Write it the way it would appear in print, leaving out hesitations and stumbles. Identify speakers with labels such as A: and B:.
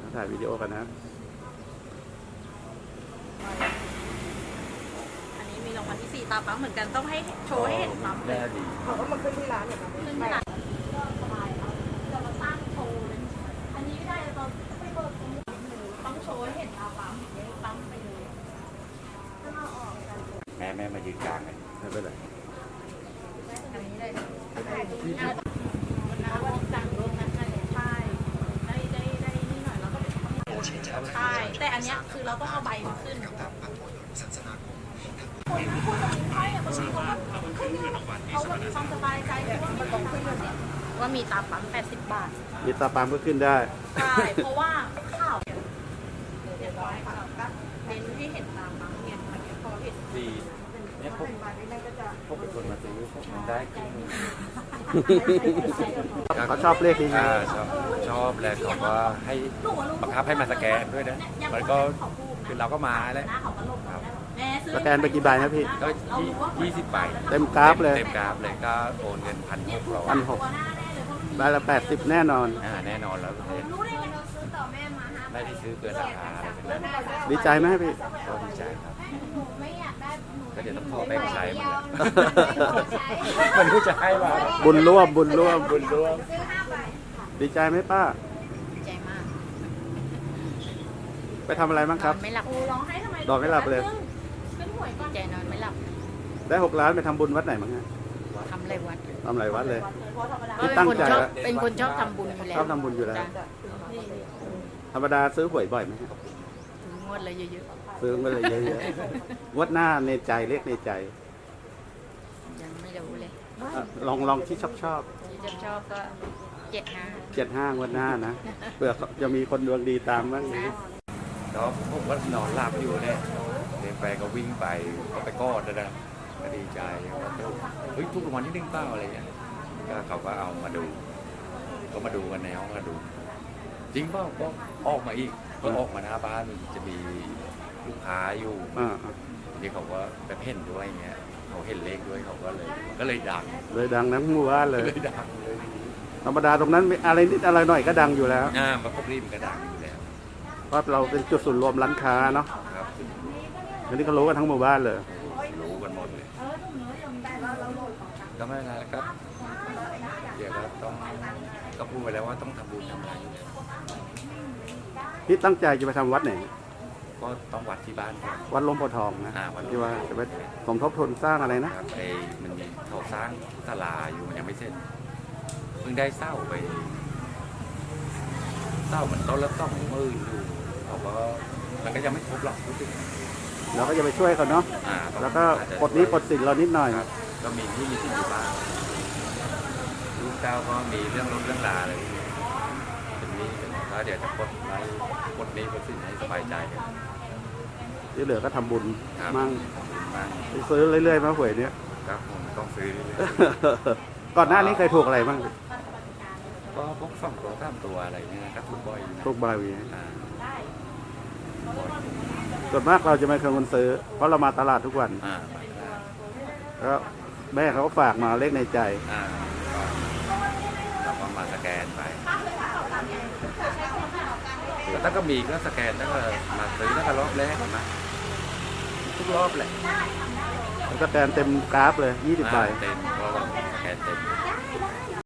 A: ถ่ายวิดีโอกันนะ
B: อันนี้มีรางวัลที่4ตาปั๊มเหมือนกันต้องให้โชว์ให้เห็นปั๊มเลย
C: เขาก็มาขึ้นที่ร้านอย่างนั้น
B: ขึ้นที่ร้านก็สบายครับจะมาสร้างโชว์เลยอันนี้ไม่ได้ตอนไม่เบิกต้องโชว์ให้เห็นตาปั๊มอย่างนี้ปั๊มไปเลยถ้าเราออกกัน
D: แม่มายืนกลางกัน
A: ไม่เป็นไร
B: อันนี้เลยวันนั้นสั่งลงนั้นใช่ได้นี่หน่อยแล้วก็ใช่แต่อันเนี้ยคือเราต้องเอาใบมาขึ้นคนพูดตรงนี้ให้อะบางทีเขาก็มีความสบายใจว่ามันต้องขึ้นว่ามีตาปั๊ม80 บาท
A: มีตาปั๊มก็ขึ้นได้
B: ใช่เพราะว่าข่าวเรียบร้อยค่ะเน้นที่เห็นตาปั๊มเนี่ยมันพอเห็น
D: ดีเนี่ยพวกเป็นคนมาซื้อพวกมันได้กิน
A: เขาชอบเลขนี้
D: ชอบแล้วเขาก็ให้บังคับให้มาสแกนด้วยนะมันก็คือเราก็มาแล้วครับ
A: สแกนไปกี่ใบนะพี่
D: ก็20 ใบ
A: เต็มกราฟเลย
D: เต็มกราฟเลยก็โอนเงิน1,600
A: 1,600 ใบละ80แน่นอน
D: แน่นอนแล้วไม่ได้ซื้อเกินราคาอะไรเป็นนั้น
A: ดีใจไหมพี่
D: ก็ดีใจครับก็เดี๋ยวต้องขอแบ่งใช้มันแหละมันรู้จะให้มา
A: บุญร่วม
E: ซื้อ5 ใบ
A: ดีใจไหมป้า
E: ใจมาก
A: ไปทำอะไรบ้างครับ
E: ไม่หลับ
B: ร้องให้ทำไม
A: นอนไม่หลับเลย
B: ขึ้นหวยก่อน
E: ใจนอนไม่หลับ
A: ได้6 ล้านไปทำบุญวัดไหนบ้างฮะ
E: ทำอะไรวัด
A: ทำหลายวัดเลย
B: เพราะธรรมดา
A: ที่ตั้งใจ
E: เป็นคนชอบทำบุญอยู่แล้ว
A: ชอบทำบุญอยู่แล้ว
E: จ้ะ
A: ธรรมดาซื้อหวยบ่อยไหมครับ
E: ถึงงวดเลยเยอะ
A: ซื้อมาเลยเยอะๆงวดหน้าในใจเลขในใจ
E: ๆยังไม่รู้เลย
A: ลองที่ชอบ
E: ที่ชอบก็75
A: 75งวดหน้านะเผื่อจะมีคนดวงดีตามบ้าง
E: นะ
D: แล้วผมก็นอนหลับอยู่เนี่ยเดินไปก็วิ่งไปก็ไปกอดนะก็ดีใจว่าเฮ้ยทุกวันที่1 เป้าอะไรเงี้ยก็เขาก็เอามาดูก็มาดูกันในห้องมาดู จริงเปล่าก็ออกมาอีกก็ออกมาหน้าบ้านจะมีลูกค้าอยู่ นี่เขาก็ไปเพ่นด้วยเงี้ยเขาเห็นเลขด้วยเขาก็เลยดัง
A: เลยดังทั้งหมู่บ้านเลย
D: เลยดังเลย
A: ธรรมดาตรงนั้นอะไรนิดอะไรหน่อยก็ดังอยู่แล้ว
D: มันก็รีบก็ดังอยู่แล้ว
A: เพราะเราเป็นจุดศูนย์รวมร้านค้าเนาะ
D: ครับ
A: อันนี้ก็รู้กันทั้งหมู่บ้านเลย
D: รู้กันหมดเลยก็ไม่เป็นไรครับเดี๋ยวก็ก็พูดไปแล้วว่าต้องทำบุญทำอะไร
A: พี่ตั้งใจจะไปทำวัดไหน
D: ก็ต้องวัดที่บ้านก่อน
A: วัดหลวงพ่อทองนะ
D: วัด
A: ที่ว่าจะไปสมทบทุนสร้างอะไรนะ
D: ครับมันมีเขาสร้างศาลาอยู่มันยังไม่เสร็จเพิ่งได้เศร้าไปเศร้ามันต้นละ20,000อยู่เขาก็มันก็ยังไม่ครบหรอกรู้สึก
A: เราก็จะไปช่วยเขาเนาะแล้วก็ปลดหนี้ปลดสินเรานิดหน่อย
D: ก็มีที่มีที่อยู่บ้างลูกเจ้าก็มีเรื่องรถเรื่องลาอะไรเป็นนี้แล้วเดี๋ยวจะปลดนี้ปลดสินให้สบายใจกัน
A: ที่เหลือก็ทำบุญ
D: ครับ
A: มั่ง
D: มั่ง
A: ไปซื้อเรื่อยๆมาหวยเนี้ย
D: ครับผมต้องซื้อเรื่อย
A: ก่อนหน้านี้เคยถูกอะไรบ้าง
D: ๆก็พวก2 ตัว3 ตัวอะไรเงี้ยครับทุกบ่อยอยู่นะ
A: ถูกบาวี
D: อ่าบ่อย
A: ส่วนมากเราจะไม่เคยคนซื้อ เพราะเรามาตลาดทุกวัน
D: มาได้
A: แล้วแม่เขาก็ฝากมาเลขในใจ
D: เราก็มาสแกนไปแล้วถ้าก็มีก็สแกนแล้วก็มาซื้อแล้วก็รอบแรกนะทุกรอบแหละ
A: มันก็แตนเต็มกราฟเลย20 ใบ
D: เต็มเพราะว่าสแกนเต็ม